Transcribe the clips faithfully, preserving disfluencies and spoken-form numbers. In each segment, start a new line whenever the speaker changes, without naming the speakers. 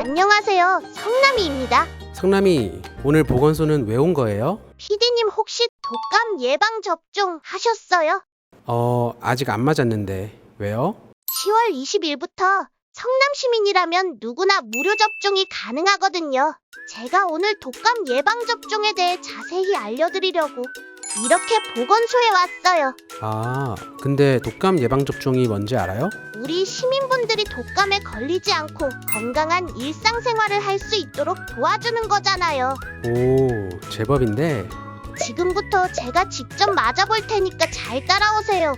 안녕하세요. 성남이입니다.
성남이, 오늘 보건소는 왜 온 거예요?
피디님 혹시 독감 예방 접종 하셨어요?
어, 아직 안 맞았는데. 왜요?
시월 이십일부터 성남 시민이라면 누구나 무료 접종이 가능하거든요. 제가 오늘 독감 예방 접종에 대해 자세히 알려드리려고 이렇게 보건소에 왔어요.
아, 근데 독감 예방접종이 뭔지 알아요?
우리 시민분들이 독감에 걸리지 않고 건강한 일상생활을 할 수 있도록 도와주는 거잖아요.
오, 제법인데.
지금부터 제가 직접 맞아볼 테니까 잘 따라오세요.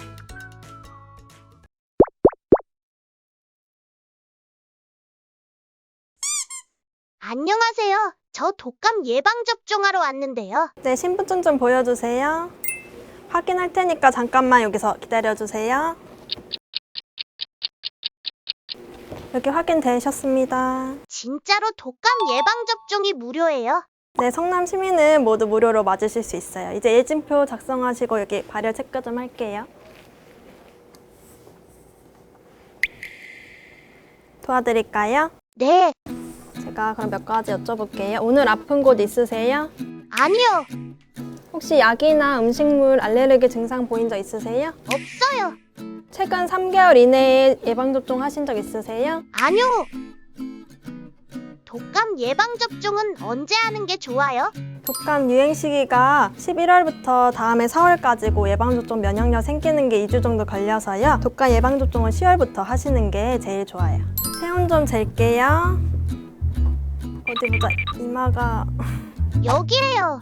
안녕하세요. 저 독감 예방접종하러 왔는데요.
네, 신분증 좀 보여주세요. 확인할 테니까 잠깐만 여기서 기다려주세요. 여기 확인되셨습니다.
진짜로 독감 예방접종이 무료예요?
네, 성남 시민은 모두 무료로 맞으실 수 있어요. 이제 예진표 작성하시고 여기 발열 체크 좀 할게요. 도와드릴까요?
네.
제가 그럼 몇 가지 여쭤볼게요. 오늘 아픈 곳 있으세요?
아니요.
혹시 약이나 음식물 알레르기 증상 보인 적 있으세요?
없어요.
최근 삼 개월 이내에 예방접종 하신 적 있으세요?
아니요. 독감 예방접종은 언제 하는 게 좋아요?
독감 유행 시기가 십일월부터 다음해 사월까지고 예방접종 면역력 생기는 게 이 주 정도 걸려서요. 독감 예방접종은 시월부터 하시는 게 제일 좋아요. 체온 좀 잴게요. 어디 보자. 이마가...
여기에요.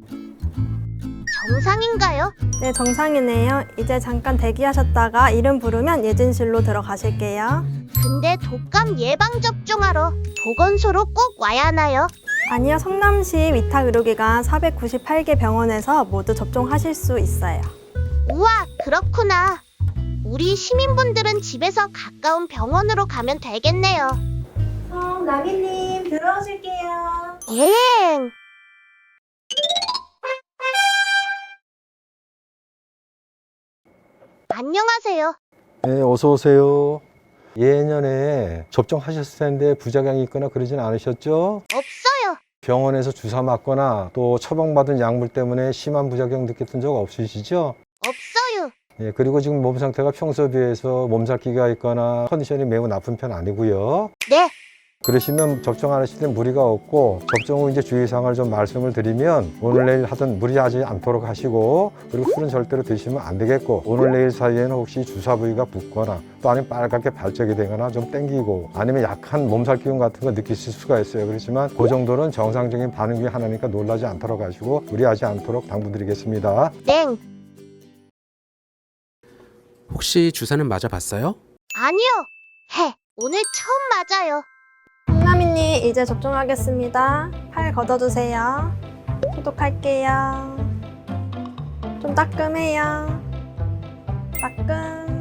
정상인가요?
네, 정상이네요. 이제 잠깐 대기하셨다가 이름 부르면 예진실로 들어가실게요.
근데 독감 예방접종하러 보건소로 꼭 와야 하나요?
아니요, 성남시 위탁의료기관 사백구십팔 개 병원에서 모두 접종하실 수 있어요.
우와, 그렇구나. 우리 시민분들은 집에서 가까운 병원으로 가면 되겠네요.
어, 나기님 들어오실게요.
예. 안녕하세요.
네, 어서 오세요. 예년에 접종하셨을 텐데 부작용이 있거나 그러진 않으셨죠?
없어요.
병원에서 주사 맞거나 또 처방받은 약물 때문에 심한 부작용 느꼈던 적 없으시죠?
없어요.
예, 그리고 지금 몸 상태가 평소에 비해서 몸살기가 있거나 컨디션이 매우 나쁜 편 아니고요.
네.
그러시면 접종 안 하실 때 무리가 없고 접종 후 이제 주의사항을 좀 말씀을 드리면 오늘 내일 하던 무리하지 않도록 하시고, 그리고 술은 절대로 드시면 안 되겠고, 오늘 내일 사이에는 혹시 주사 부위가 붓거나 또 아니면 빨갛게 발적이 되거나 좀 땡기고 아니면 약한 몸살 기운 같은 거 느끼실 수가 있어요. 그렇지만 그 정도는 정상적인 반응 중에 하나니까 놀라지 않도록 하시고 무리하지 않도록 당부드리겠습니다.
땡.
혹시 주사는 맞아봤어요?
아니요. 해. 오늘 처음 맞아요.
성남이님 이제 접종하겠습니다. 팔 걷어주세요. 소독할게요. 좀 따끔해요. 따끔.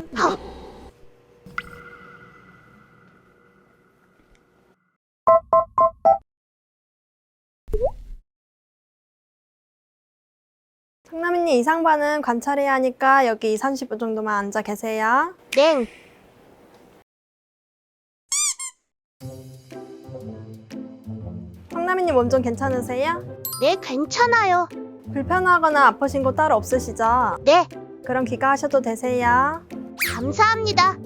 성남이님 이상 반응 관찰해야 하니까 여기 이, 삼십 분 정도만 앉아 계세요.
땡.
성남이님 몸 좀 괜찮으세요?
네, 괜찮아요.
불편하거나 아프신 곳 따로 없으시죠?
네.
그럼 귀가하셔도 되세요.
감사합니다.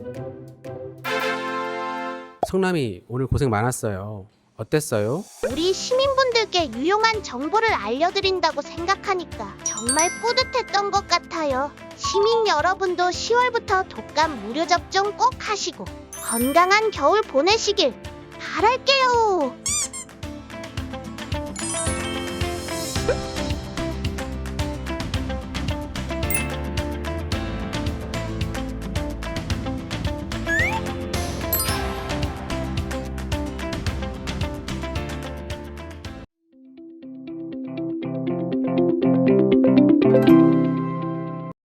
성남이, 오늘 고생 많았어요. 어땠어요?
우리 시민분들께 유용한 정보를 알려드린다고 생각하니까 정말 뿌듯했던 것 같아요. 시민 여러분도 시월부터 독감 무료 접종 꼭 하시고 건강한 겨울 보내시길 바랄게요.